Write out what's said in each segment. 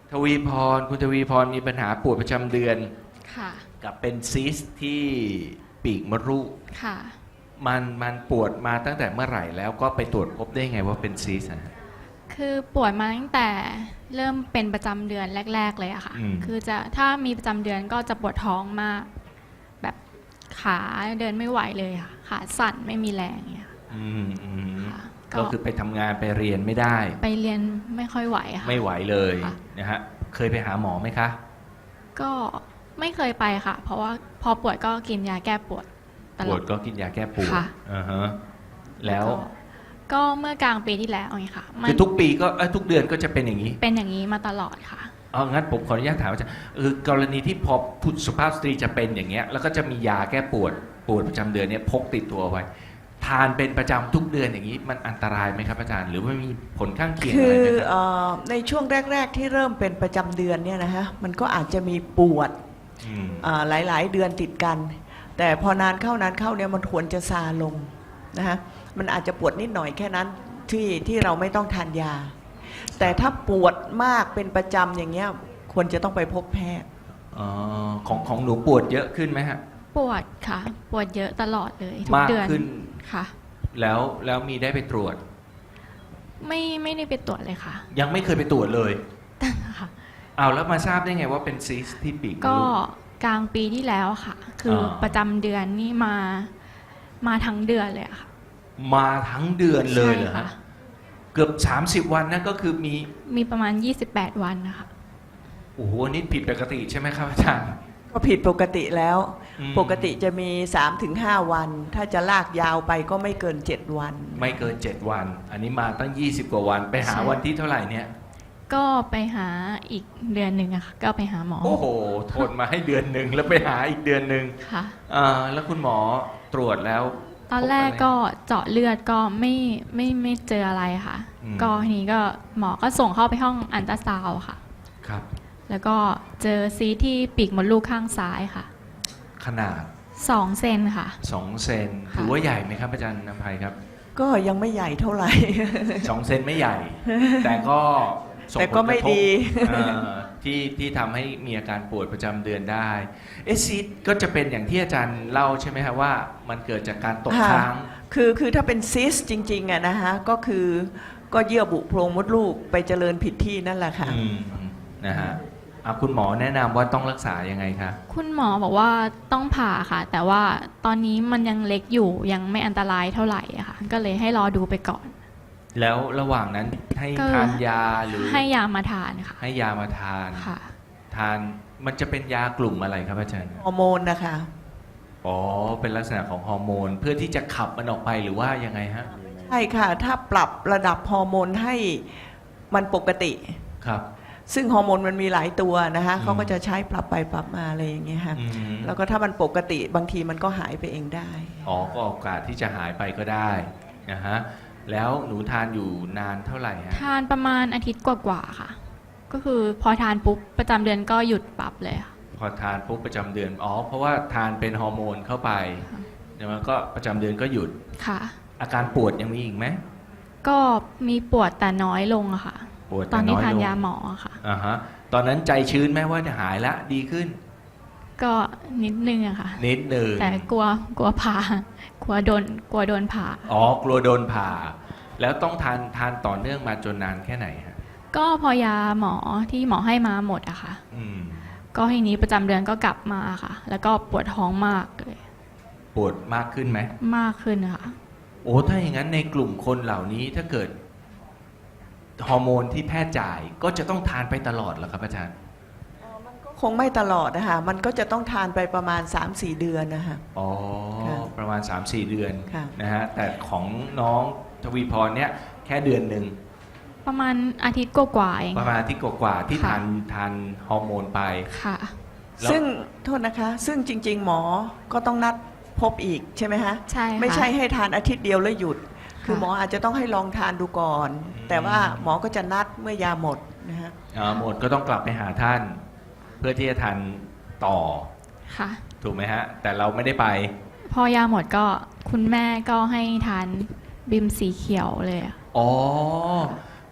ทวีพรคุณทวีพรมีปัญหาปวดประจำเดือนค่ะกับเป็นซีสต์ที่ปีกมดลูกค่ะมันปวดมาตั้งแต่เมื่อไหร่แล้วก็ไปตรวจพบได้ไงว่าเป็นซีสต์อะฮะคือปวดมาตั้งแต่เริ่มเป็นประจำเดือนแรกๆเลยอะค่ะ คือถ้ามีประจำเดือนก็จะปวดท้องมาก แบบขาเดินไม่ไหวเลยค่ะ ขาสั่นไม่มีแรงอย่างเงี้ยค่ะก็คือไปทำงานไปเรียนไม่ได้ไปเรียนไม่ค่อยไหวค่ะไม่ไหวเลยค่ะนะฮะเคยไปหาหมอไหมคะก็ไม่เคยไปค่ะ เพราะว่าพอปวดก็กินยาแก้ปวดตปวลอดดก็กินยาแก้ปวดค่ะอ่าฮะแล้วก็เมื่อกลางปีที่แล้วไงค่ะคือทุกปีก็ทุกเดือนก็จะเป็นอย่างนี้เป็นอย่างนี้มาตลอดค่ะเอางั้นผมขออนุญาตถามอาจารย์กรณีที่พอผู้สุภาพสตรีจะเป็นอย่างเงี้ยแล้วก็จะมียาแก้ปวดประจำเดือนเนี่ยพกติดตัวไว้ทานเป็นประจำทุกเดือนอย่างนี้มันอันตรายไหมครับอาจารย์หรือว่ามีผลข้างเคียงอะไรไหมครับในช่วงแรกๆที่เริ่มเป็นประจำเดือนเนี่ยนะฮะมันก็อาจจะมีปวดหลายๆเดือนติดกัน แต่พอนานเข้าเนี่ยมันควรจะซาลงนะฮะมันอาจจะปวดนิดหน่อยแค่นั้นที่เราไม่ต้องทานยา แต่ถ้าปวดมากเป็นประจำอย่างเงี้ยควรจะต้องไปพบแพทย์ของหนูปวดเยอะขึ้นไหมฮะปวดค่ะปวดเยอะตลอดเลยทุกเดือนมากขึ้นค่ะแล้วมีได้ไปตรวจไม่ได้ไปตรวจเลยค่ะยังไม่เคยไปตรวจเลยค่ะเอาแล้วมาทราบได้ไงว่าเป็นซีสต์ที่ปีกมดก็ลูกกลางปีที่แล้วค่ะ คือประจำเดือนนี่มาทั้งเดือนเลยค่ะมาทั้งเดือนเลยเหรอฮะใช่ค่ะเกือบ30 วันนั่นก็คือมีประมาณ28วันนะคะโอ้โหนี่ผิดปกติใช่ไหมครับอาจารย์ก็ผิดปกติแล้วปกติจะมี 3-5 วัน ถ้าจะลากยาวไปก็ไม่เกิน7วันไม่เกิน7วันอันนี้มาตั้ง20 กว่าวันไปหาวันที่เท่าไหร่เนี่ยก็ไปหาอีกเดือนหนึ่งอะค่ะก็ไปหาหมอโอ้โหทนมาให้เดือนหนึ่งแล้วไปหาอีกเดือนหนึ่งค่ะแล้วคุณหมอตรวจแล้วตอนแรกก็เจาะเลือดก็ไม่เจออะไรค่ะก็ทีนี้ก็หมอก็ส่งเข้าไปห้องอัลตราซาวด์ค่ะครับแล้วก็เจอซีสต์ที่ปีกมดลูกข้างซ้ายค่ะขนาด 2 เซนค่ะ 2 เซนถือว่าใหญ่ไหมครับอาจารย์นภัยครับก็ยังไม่ใหญ่เท่าไหร่ 2 เซนไม่ใหญ่แต่ก็ส่งผลกระทบไม่ดีที่ทำให้มีอาการปวดประจำเดือนได้ซีสต์ก็จะเป็นอย่างที่อาจารย์เล่าใช่ไหมครับว่ามันเกิดจากการตกค้างคือถ้าเป็นซิสจริงๆอะนะฮะก็คือก็เยื่อบุโพรงมดลูกไปเจริญผิดที่นั่นแหละค่ะนะฮะคุณหมอแนะนำว่าต้องรักษายังไงคะคุณหมอบอกว่าต้องผ่าค่ะแต่ว่าตอนนี้มันยังเล็กอยู่ยังไม่อันตรายเท่าไหร่อะค่ะก็เลยให้รอดูไปก่อนแล้วระหว่างนั้นให้ทานยาหรือให้ยามาทานค่ะให้ยามาทานค่ะทานมันจะเป็นยากลุ่มอะไรครับอาจารย์ฮอร์โมนนะคะเป็นลักษณะของฮอร์โมนเพื่อที่จะขับมันออกไปหรือว่ายังไงฮะใช่ค่ะถ้าปรับระดับฮอร์โมนให้มันปกติครับซึ่งฮอร์โมนมันมีหลายตัวนะคะเขาก็จะใช้ปรับไปปรับมาอะไรอย่างเงี้ยค่ะแล้วก็ถ้ามันปกติบางทีมันก็หายไปเองได้ก็โอกาสที่จะหายไปก็ได้นะฮะแล้วหนูทานอยู่นานเท่าไหร่ฮะทานประมาณอาทิตย์กว่าๆค่ะก็คือพอทานปุ๊บประจำเดือนก็หยุดปรับเลยค่ะพอทานปุ๊บประจำเดือนเพราะว่าทานเป็นฮอร์โมนเข้าไปแล้วก็ประจำเดือนก็หยุดค่ะอาการปวดยังมีอีกไหมก็มีปวดแต่น้อยลงอะค่ะตอนนี้ทานยาหมอค่ะตอนนั้นใจชื้นไหมว่าจะหายละดีขึ้นก็นิดนึงอะค่ะนิดนึงแต่กลัวผ่ากลัวโดนผ่ากลัวโดนผ่าแล้วต้องทานต่อเนื่องมาจนนานแค่ไหนฮะก็พอยาหมอที่หมอให้มาหมดอะค่ะก็ทีนี้ประจำเดือนก็กลับมาค่ะแล้วก็ปวดท้องมากเลยปวดมากขึ้นไหมมากขึ้นค่ะถ้าอย่างนั้นในกลุ่มคนเหล่านี้ถ้าเกิดฮอร์โมนที่แพทย์จ่ายก็จะต้องทานไปตลอดเหรอครับอาจารย์คงไม่ตลอดนะคะมันก็จะต้องทานไปประมาณ 3-4 เดือนนะคะประมาณ 3-4 เดือนนะฮะแต่ของน้องทวีพรเนี่ยแค่เดือนหนึ่งประมาณอาทิตย์กว่าเองประมาณอาทิตย์กว่าที่ทานฮอร์โมนไปค่ะซึ่งโทษนะคะซึ่งจริงๆหมอก็ต้องนัดพบอีกใช่ไหมฮะใช่ไม่ใช่ให้ทานอาทิตย์เดียวแล้วหยุดคือหมออาจจะต้องให้ลองทานดูก่อนแต่ว่าหมอก็จะนัดเมื่อยาหมดนะฮะหมดก็ต้องกลับไปหาท่านเพื่อที่จะทานต่อค่ะถูกไหมฮะแต่เราไม่ได้ไปพอยาหมดก็คุณแม่ก็ให้ทานบิมสีเขียวเลย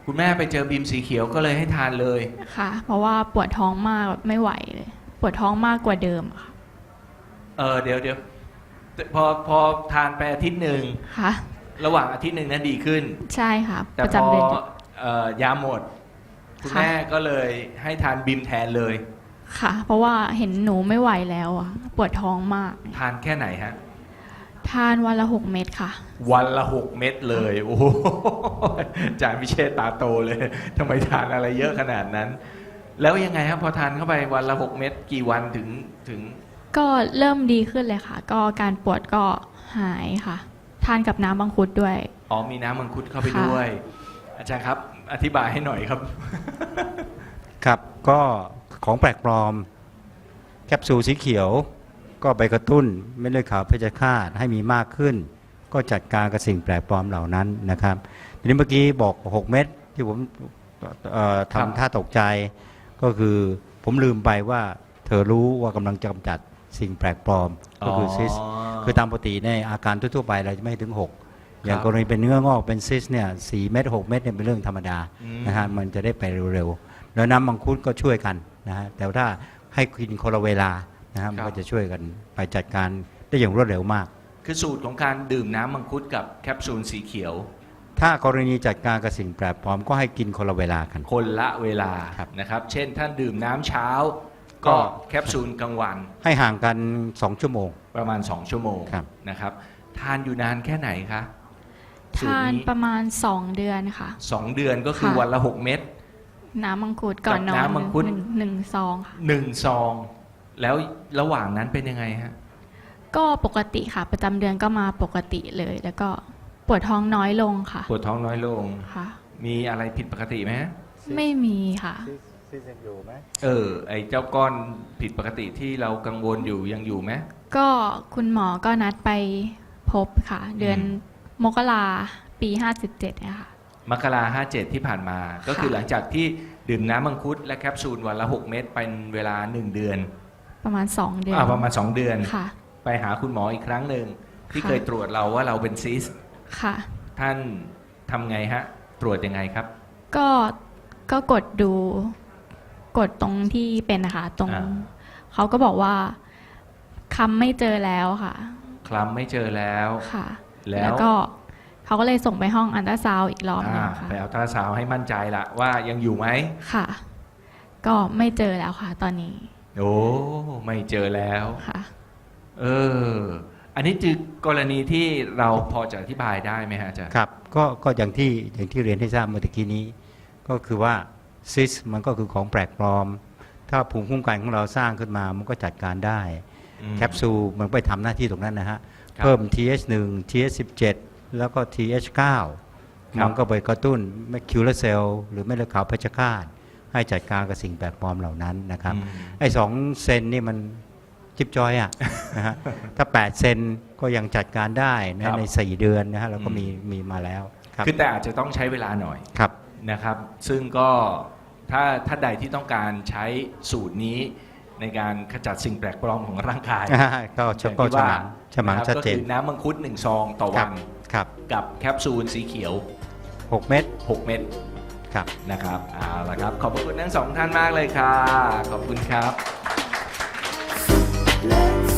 คุณแม่ไปเจอบีมสีเขียวก็เลยให้ทานเลยค่ะ เพราะว่าปวดท้องมากแบบไม่ไหวเลย ปวดท้องมากกว่าเดิมอะค่ะเดี๋ยวพอทานไปอาทิตย์หนึ่งค่ะระหว่างอาทิตย์หนึ่งนั้นดีขึ้นใช่ค่ะแต่ประพจำอเดือนยาหมด คุณค่ะแม่ก็เลยให้ทานบีมแทนเลยค่ะ เพราะว่าเห็นหนูไม่ไหวแล้วอะปวดท้องมากทานแค่ไหนฮะทานวันละ6 เม็ดค่ะวันละ 6 เม็ดเลย โอ้โหอาจารย์พิเชษตาโตเลยทำไมทานอะไรเยอะขนาดนั้น แล้วยังไงครับพอทานเข้าไปวันละ 6 เม็ดกี่วันถึงก็เริ่มดีขึ้นเลยค่ะ ก็การปวดก็หายค่ะ ทานกับน้ำมังคุดด้วยอ๋อมีน้ำมังคุดเข้าไปค่ะด้วย อาจารย์ครับ อธิบายให้หน่อยครับครับก็ของแปลกปลอมแคปซูลสีเขียวก็ไปกระตุ้นเม็ดเลือดขาวเพชฌฆาตให้มีมากขึ้น ก็จัดการกับสิ่งแปลกปลอมเหล่านั้นนะครับทีนี้เมื่อกี้บอก 6 เม็ดที่ผมครับทำท่าตกใจ ก็คือผมลืมไปว่าเธอรู้ว่ากำลังจะกำจัดสิ่งแปลกปลอมก็คือซิส คือตามปกติในอาการทั่วๆไปเราจะไม่ถึง 6 อย่างกรณีเป็นเนื้องอกเป็นซิสเนี่ย4 เม็ด6 เม็ดเนี่ยเป็นเรื่องธรรมดาอืมนะฮะมันจะได้ไปเร็วๆ แล้วน้ำมังคุดก็ช่วยกันนะฮะแต่ถ้าให้กินคนละเวลานะฮะมันก็จะช่วยกันไปจัดการได้อย่างรวดเร็วมากคือสูตรของการดื่มน้ำมังคุดกับแคปซูลสีเขียวถ้ากรณีจัดการกับสิ่งแปลกปลอมก็ให้กินคนละเวลากันคนละเวลาครับนะครับ เช่นท่านดื่มน้ำเช้าก็ก็แคปซูลกลางวันให้ห่างกัน 2 ชั่วโมงประมาณ 2 ชั่วโมงครับนะครับ ทานอยู่นานแค่ไหนคะสูตทาร นนี้ประมาณ2 เดือนค่ะ 2 เดือนก็คือค่ะวันละ 6 เม็ดน้ำมังคุดก่อนนอนกับน้ำมังคุดหนึ่งซองค่ะ 1 ซอง แล้วระหว่างนั้นเป็นยังไงฮะก็ปกติค่ะ ประจำเดือนก็มาปกติเลย แล้วก็ปวดท้องน้อยลงค่ะปวดท้องน้อยลงค่ะมีอะไรผิดปกติไหมฮะไม่มีค่ะไอ้เจ้าก้อนผิดปกติที่เรากังวลอยู่ยังอยู่ไหมก็คุณหมอก็นัดไปพบค่ะ เดือนมกราปี57เนี่ยค่ะมกรา57 ที่ผ่านมา ก็คือหลังจากที่ดื่มน้ำมังคุดและแคปซูลวันละ 6 เม็ดเป็นเวลา 1 เดือนประมาณ2 เดือนประมาณ 2 เดือนค่ะไปหาคุณหมออีกครั้งหนึ่งที่ค่ะเคยตรวจเราว่าเราเป็นซิสต์ค่ะท่านทำไงฮะ ตรวจยังไงครับก็กดดูกดตรงที่เป็นนะคะตรงอ่าเขาก็บอกว่าคำไม่เจอแล้วค่ะคลำไม่เจอแล้วค่ะแล้วแล้วก็เขาก็เลยส่งไปห้องอันตราซาวด์อีกรอบหนึงค่ะไปเอาตราซาวด์ให้มั่นใจละว่ายังอยู่ไหมค่ะ ก็ไม่เจอแล้วค่ะ ตอนนี้โอ้ไม่เจอแล้วค่ะอันนี้คือกรณีที่เราพอจะอธิบายได้ไหมฮะอาจารย์ครับก็อย่างที่เรียนให้ทราบเมื่อตะกี้นี้ ก็คือว่าซิสมันก็คือของแปลกปลอม ถ้าภูมิคุ้มกันของเราสร้างขึ้นมามันก็จัดการได้อืมแคปซูลมันไปทำหน้าที่ตรงนั้นนะฮะครับเพิ่ม TH1 TH17 แล้วก็ TH9 ครับมันก็ไปกระตุ้นแมคคิวเลอร์เซลล์หรือเม็ดเลือดขาวเพชฌฆาตให้จัดการกับสิ่งแปลกปลอมเหล่านั้นนะครับอืมไอ้2 เซนนี่มันจิบจอยอ่ะ นะฮะถ้า 8 เซนก็ยังจัดการได้ครันะบใน 4 เดือนนะฮะเราก็อืมมีมาแล้วครับคือแต่อาจจะต้องใช้เวลาหน่อยครับนะครับ ซึ่งก็ถ้าใดที่ต้องการใช้สูตรนี้ในการขจัดสิ่งแปลกปลอมของร่างกายก็อย่างก็ที่ฉว่ามังนะครับชัดเจนก็คือน้ำมังคุด1 ซองต่อวันครับกับแคปซูลสีเขียว 6 เม็ด 6 เม็ดครับนะครับเอาละครับ ขอบพระคุณทั้งสองท่านมากเลยค่ะ ขอบคุณครับ Let's